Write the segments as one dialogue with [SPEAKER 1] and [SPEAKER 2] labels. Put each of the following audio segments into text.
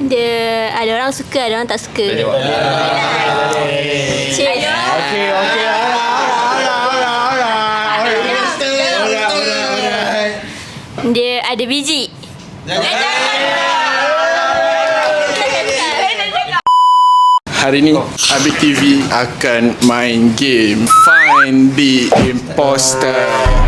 [SPEAKER 1] Dia ada orang suka, ada orang tak suka. Dia ada biji.
[SPEAKER 2] Hari ni Abik TV akan main game Find the Imposter.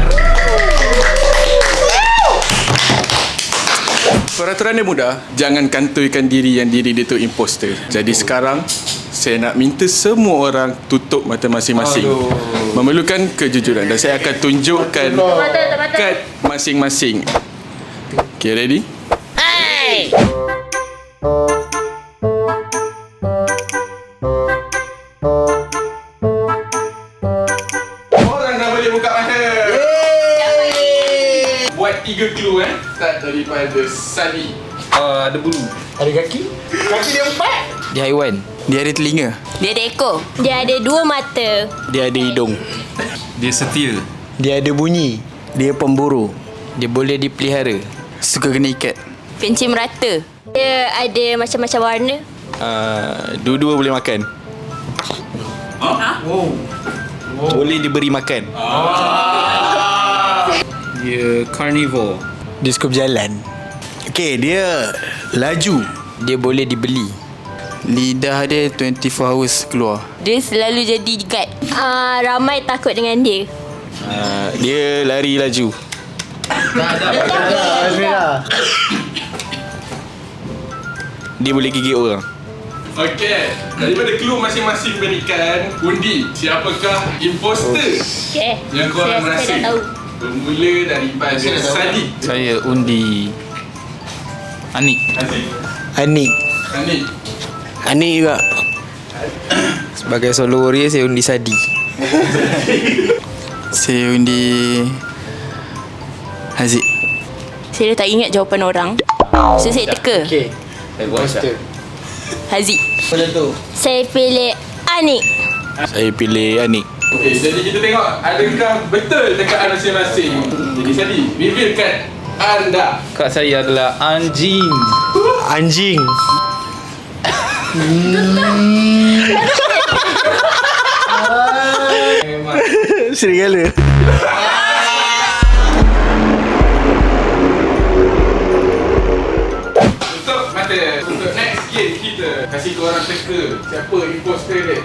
[SPEAKER 2] Peraturan dia mudah. Jangan kantoikan diri yang diri dia tu imposter. Jadi sekarang saya nak minta semua orang tutup mata masing-masing. Memerlukan kejujuran. Dan saya akan tunjukkan kad masing-masing. Okay, ready?
[SPEAKER 1] Hai.
[SPEAKER 2] Orang dah boleh buka mata. Buat 3 clue Start daripada Sadi.
[SPEAKER 3] Ada bulu.
[SPEAKER 4] Ada kaki? Kaki dia 4.
[SPEAKER 3] Dia haiwan.
[SPEAKER 5] Dia ada telinga.
[SPEAKER 1] Dia ada ekor. Dia ada 2 mata.
[SPEAKER 5] Dia ada hidung.
[SPEAKER 3] Dia setia.
[SPEAKER 4] Dia ada bunyi.
[SPEAKER 5] Dia pemburu.
[SPEAKER 3] Dia boleh dipelihara.
[SPEAKER 5] Suka kena ikat.
[SPEAKER 1] Pencin merata. Dia ada macam-macam warna.
[SPEAKER 5] Dua-dua boleh makan.
[SPEAKER 3] Boleh diberi makan. Dia carnivore.
[SPEAKER 4] Dia suka berjalan. Okey, dia laju.
[SPEAKER 3] Dia boleh dibeli.
[SPEAKER 5] Lidah dia 24 hours keluar.
[SPEAKER 1] Dia selalu jadi guard. Ramai takut dengan dia.
[SPEAKER 5] Dia lari laju. Dia boleh gigit orang.
[SPEAKER 2] Okey, daripada clue masing-masing berikan, undi siapakah imposter
[SPEAKER 1] Okay.
[SPEAKER 2] yang korang rasa.
[SPEAKER 1] Saya dah tahu.
[SPEAKER 2] Bermula daripada Sadi.
[SPEAKER 3] Saya undi Anik.
[SPEAKER 2] Aziz.
[SPEAKER 4] Anik.
[SPEAKER 2] Anik.
[SPEAKER 4] Anik juga.
[SPEAKER 3] Sebagai solo warrior, saya undi Sadi.
[SPEAKER 5] Saya undi Haziq.
[SPEAKER 1] Saya dah tak ingat jawapan orang. So saya teka.
[SPEAKER 4] Okey. Imposter.
[SPEAKER 1] Haziq.
[SPEAKER 4] Macam tu.
[SPEAKER 1] Saya pilih Anik.
[SPEAKER 5] Saya pilih Anik.
[SPEAKER 2] Okey, jadi kita tengok adakah betul tekaan masing-masing. Jadi Sadi, revealkan anda.
[SPEAKER 3] Kak saya adalah anjing.
[SPEAKER 4] Anjing. Serigala.
[SPEAKER 2] Tutup mata. Untuk next game kita kasih korang teka siapa imposter dia.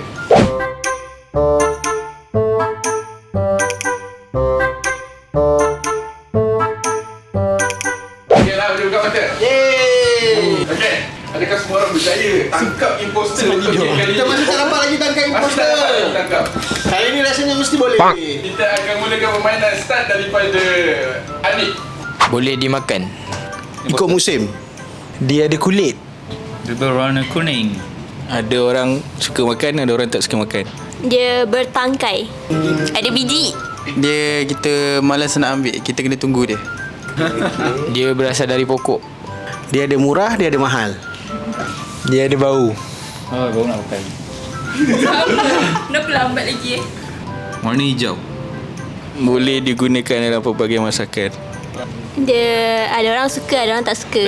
[SPEAKER 2] Okeylah, boleh buka mata. Okey, adakah semua orang berjaya tangkap imposter untuk game kali
[SPEAKER 4] Kita
[SPEAKER 2] ini?
[SPEAKER 4] masih tak dapat lagi tangkap
[SPEAKER 2] Masih tak
[SPEAKER 4] imposter.
[SPEAKER 2] dapat tangkap.
[SPEAKER 4] Kali ni rasanya mesti boleh.
[SPEAKER 2] Kita akan mulakan permainan start daripada Anik.
[SPEAKER 3] Boleh dimakan.
[SPEAKER 4] Ikut musim. Dia ada kulit.
[SPEAKER 3] Dia berwarna kuning.
[SPEAKER 5] Ada orang suka makan, ada orang tak suka makan.
[SPEAKER 1] Dia bertangkai. Ada biji.
[SPEAKER 5] Dia kita malas nak ambil, kita kena tunggu dia.
[SPEAKER 3] Dia berasal dari pokok.
[SPEAKER 4] Dia ada murah, dia ada mahal. Dia ada bau.
[SPEAKER 3] Baru nak makan.
[SPEAKER 1] Kenapa lambat lagi
[SPEAKER 3] Warna hijau.
[SPEAKER 5] Boleh digunakan dalam pelbagai masakan.
[SPEAKER 1] Dia ada orang suka, ada orang tak suka.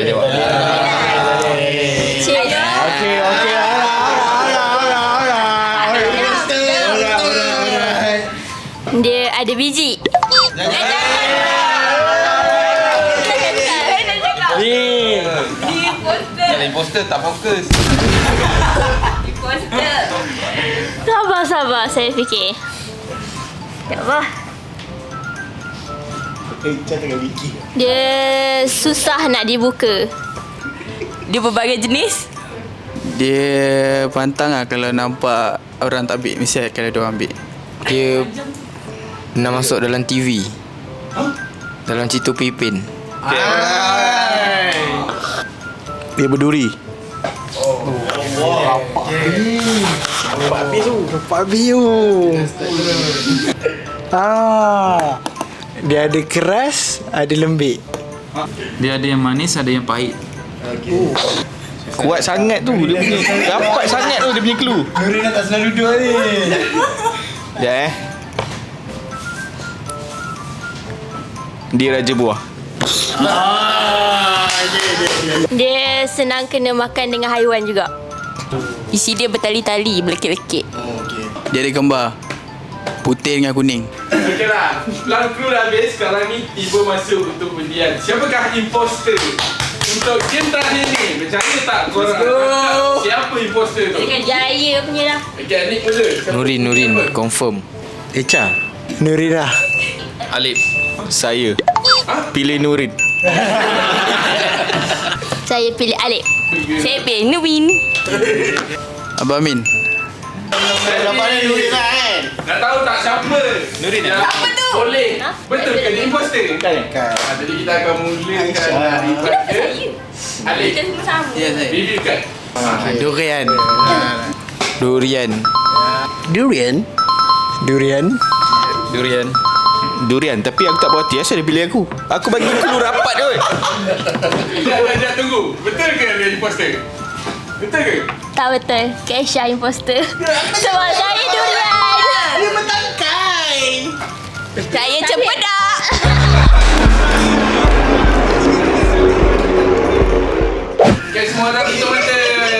[SPEAKER 4] Okey.
[SPEAKER 1] Dia ada biji.
[SPEAKER 3] Imposter tak fokus.
[SPEAKER 1] Sabar, saya fikir. Ya Allah. Dia susah nak dibuka. Dia berbagai jenis.
[SPEAKER 5] Dia pantang lah kalau nampak orang tak ambil, mesti akan ada orang ambil.
[SPEAKER 3] Dia pernah masuk dalam TV. Dalam Cito Pipin.
[SPEAKER 4] Dia berduri. Bapak biu. Dia ada keras, ada lembik.
[SPEAKER 3] Dia ada yang manis, ada yang pahit.
[SPEAKER 5] Kuat sangat tu dia punya. Rapat sangat tu dia punya clue.
[SPEAKER 4] Nuri dah tak selalu duduk ni.
[SPEAKER 5] Dia Raja Buah.
[SPEAKER 1] Dia senang kena makan dengan haiwan juga. Isi dia bertali-tali, berlekit-lekit.
[SPEAKER 5] Dia ada gambar putih dengan kuning.
[SPEAKER 2] Okey lah. Plan crew dah habis. Sekarang ni tiba masa untuk undian. Siapakah imposter? Untuk game terakhir ni, percaya tak korang cakap siapa imposter tu?
[SPEAKER 1] Dengan jaya punya lah.
[SPEAKER 2] Okey, Anik mula. Siapa?
[SPEAKER 3] Nurin, confirm.
[SPEAKER 4] Echa. Nurina.
[SPEAKER 3] Alip. Saya. Pilih Nurin.
[SPEAKER 1] Saya pilih Alip. Saya pilih Nurin.
[SPEAKER 5] Abang Amin.
[SPEAKER 2] Nurin lah kan? Nak tahu tak siapa? Nurin lah.
[SPEAKER 1] Siapa tu?
[SPEAKER 2] Boleh.
[SPEAKER 1] Ha?
[SPEAKER 2] Betul ke dia imposter? Bukan. Jadi kita akan mulakan daripada Alip.
[SPEAKER 1] Kita semua sama.
[SPEAKER 5] Ya, saya.
[SPEAKER 2] Review kan?
[SPEAKER 3] Durian. Durian.
[SPEAKER 4] Durian. Durian.
[SPEAKER 3] Durian. Durian. Tapi aku tak berhati. Asal dia pilih aku? Aku bagi clue rapat je.
[SPEAKER 2] Sekejap, tunggu. Betul ke dia imposter? Betul ke?
[SPEAKER 1] Tak betul. Kesha imposter. Sebab saya durian.
[SPEAKER 4] Dia bertangkai.
[SPEAKER 1] Saya cempedak.
[SPEAKER 2] Okay, semua orang tutup mata.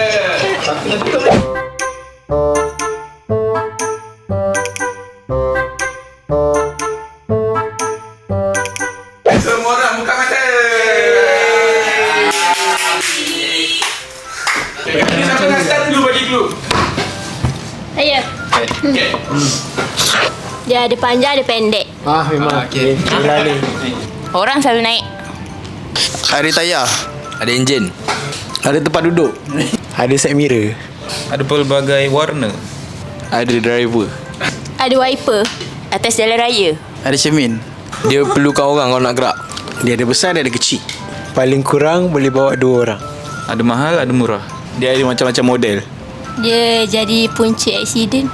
[SPEAKER 2] Semua orang buka mata. Okay, ni siapa nak start dulu bagi clue?
[SPEAKER 1] Saya.
[SPEAKER 2] Okay.
[SPEAKER 1] Dia ada panjang, ada pendek.
[SPEAKER 4] Memang.
[SPEAKER 5] Okey.
[SPEAKER 4] Gila ni.
[SPEAKER 1] Orang selalu naik.
[SPEAKER 5] Ada tayar.
[SPEAKER 3] Ada enjin.
[SPEAKER 4] Ada tempat duduk. Ada side mirror.
[SPEAKER 6] Ada pelbagai warna.
[SPEAKER 3] Ada driver.
[SPEAKER 1] Ada wiper. Atas jalan raya.
[SPEAKER 5] Ada cermin.
[SPEAKER 3] Dia perlukan orang kalau nak gerak.
[SPEAKER 4] Dia ada besar, dia ada kecil. Paling kurang boleh bawa 2 orang.
[SPEAKER 6] Ada mahal, ada murah.
[SPEAKER 3] Dia ada macam-macam model.
[SPEAKER 1] Dia jadi punca aksiden.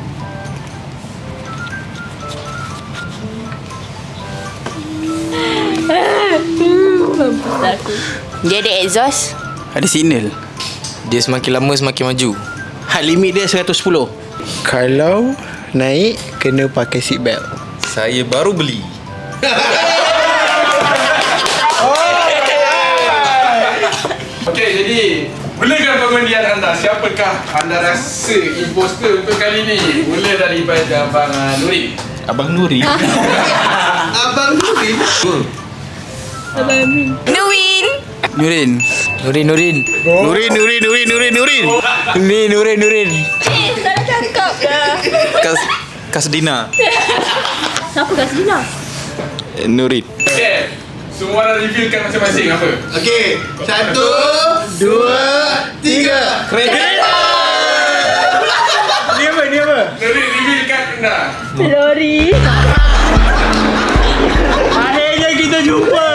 [SPEAKER 1] Dia ada exhaust.
[SPEAKER 5] Ada signal.
[SPEAKER 3] Dia semakin lama semakin maju.
[SPEAKER 4] Had limit dia 110. Kalau naik, kena pakai seat belt.
[SPEAKER 6] Saya baru beli.
[SPEAKER 2] Okey, jadi mulakan pengundian anda. Siapakah anda rasa imposter untuk kali ni? Mula daripada Abang Nurin.
[SPEAKER 6] Abang Nuri.
[SPEAKER 1] Nurin.
[SPEAKER 5] Nurin.
[SPEAKER 3] Nurin.
[SPEAKER 4] Ni Nurin.
[SPEAKER 1] Salah cakap dah.
[SPEAKER 5] Kasdina.
[SPEAKER 1] Siapa kat sini lah?
[SPEAKER 3] Nurin.
[SPEAKER 2] Okey. Semua orang revealkan masing-masing apa?
[SPEAKER 4] Okey. 1, 2, 3. Kereta. Ni apa?
[SPEAKER 2] Nurin revealkan anda.
[SPEAKER 1] Lori.
[SPEAKER 4] Akhirnya kita jumpa.